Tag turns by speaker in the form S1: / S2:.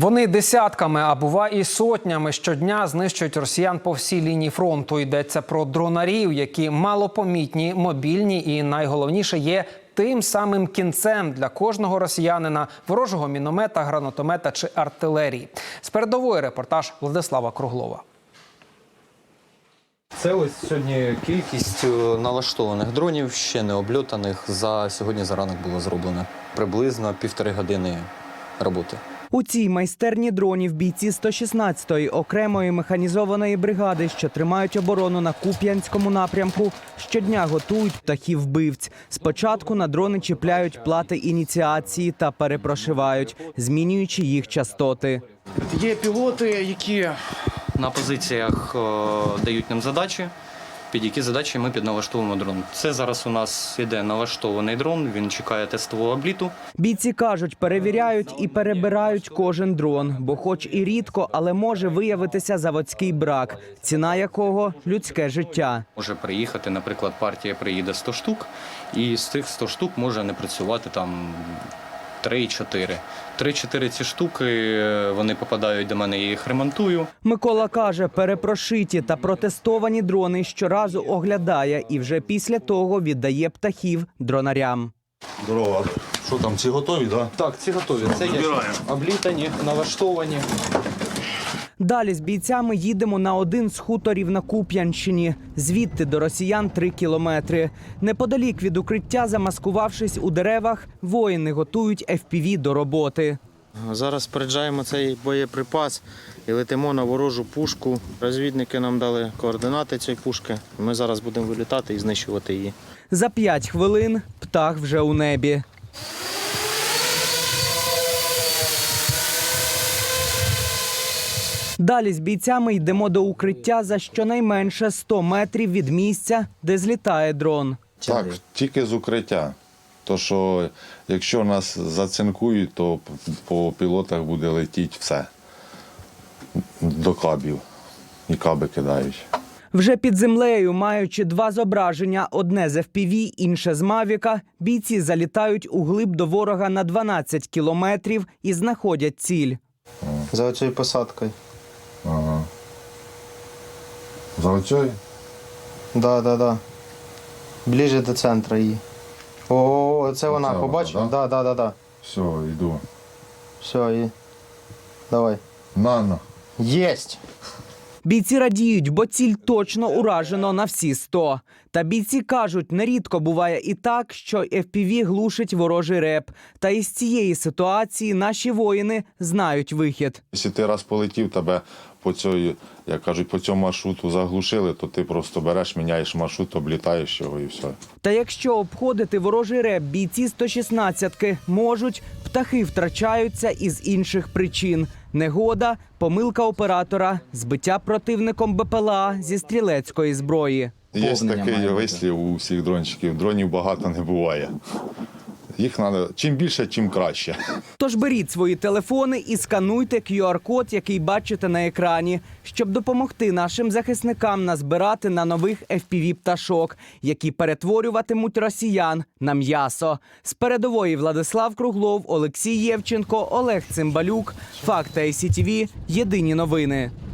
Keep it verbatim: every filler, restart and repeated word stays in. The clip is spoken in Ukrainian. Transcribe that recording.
S1: Вони десятками, а бува і сотнями щодня знищують росіян по всій лінії фронту. Йдеться про дронарів, які малопомітні, мобільні і, найголовніше, є тим самим кінцем для кожного росіянина – ворожого міномета, гранатомета чи артилерії. З передової репортаж Владислава Круглова.
S2: Це ось сьогодні кількість налаштованих дронів, ще не обльотаних, за сьогодні за ранок було зроблено. Приблизно півтори години роботи.
S3: У цій майстерні дронів бійці сто шістнадцятої окремої механізованої бригади, що тримають оборону на Куп'янському напрямку, щодня готують птахів-вбивць. Спочатку на дрони чіпляють плати ініціації та перепрошивають, змінюючи їх частоти.
S4: Є пілоти, які
S2: На позиціях о, дають нам задачі, під які задачі ми підналаштовуємо дрон. Це зараз у нас іде налаштований дрон, він чекає тестового обліту.
S3: Бійці кажуть, перевіряють і перебирають кожен дрон, бо хоч і рідко, але може виявитися заводський брак, ціна якого – людське життя.
S2: Може приїхати, наприклад, партія приїде сто штук, і з тих сто штук може не працювати там три-чотири. Три-чотири ці штуки, вони попадають до мене, я їх ремонтую.
S3: Микола каже, перепрошиті та протестовані дрони щоразу оглядає і вже після того віддає птахів дронарям.
S5: Здорово. Що там, ці готові, так?
S2: Так, ці готові. Це є облітані, налаштовані.
S3: Далі з бійцями їдемо на один з хуторів на Куп'янщині. Звідти до росіян три кілометри. Неподалік від укриття, замаскувавшись у деревах, воїни готують еф пі ві до роботи.
S6: Зараз споряджаємо цей боєприпас і летимо на ворожу пушку. Розвідники нам дали координати цієї пушки. Ми зараз будемо вилітати і знищувати її.
S3: За п'ять хвилин птах вже у небі. Далі з бійцями йдемо до укриття за щонайменше сто метрів від місця, де злітає дрон.
S5: Так, тільки з укриття. То, що якщо нас зацинкують, то по пілотах буде летіти все. До кабів. І каби кидають.
S3: Вже під землею, маючи два зображення, одне з еф пі ві, інше з Мавіка, бійці залітають у глиб до ворога на дванадцять кілометрів і знаходять ціль.
S6: За оцією посадкою.
S5: Ага. За оцею?
S6: Да, да, да. Ближче до центру її. О, це вона,
S5: Оце
S6: побачив?
S5: вона,
S6: Да, да, да, да.
S5: Все, йду.
S6: Все, і давай.
S5: На-на.
S6: Єсть!
S3: Бійці радіють, бо ціль точно уражено на всі сто. Та бійці кажуть, нерідко буває і так, що еф пі ві глушить ворожий реп. Та із цієї ситуації наші воїни знають вихід.
S5: Якщо ти раз полетів, тебе по цьому, як кажуть, по цьому маршруту заглушили, то ти просто береш, міняєш маршрут, облітаєш його і все.
S3: Та якщо обходити ворожий реп бійці сто шістнадцятки можуть, птахи втрачаються із інших причин. Негода, помилка оператора, збиття противником бе пе ел а зі стрілецької зброї.
S5: Є такий вислів у всіх дрончиків, дронів багато не буває. Їх треба, чим більше, тим краще.
S3: Тож беріть свої телефони і скануйте кю ар код, який бачите на екрані, щоб допомогти нашим захисникам назбирати на нових еф пі ві пташок, які перетворюватимуть росіян на м'ясо. З передової Владислав Круглов, Олексій Євченко, Олег Цимбалюк. Факти ай сі ті ві. Єдині новини.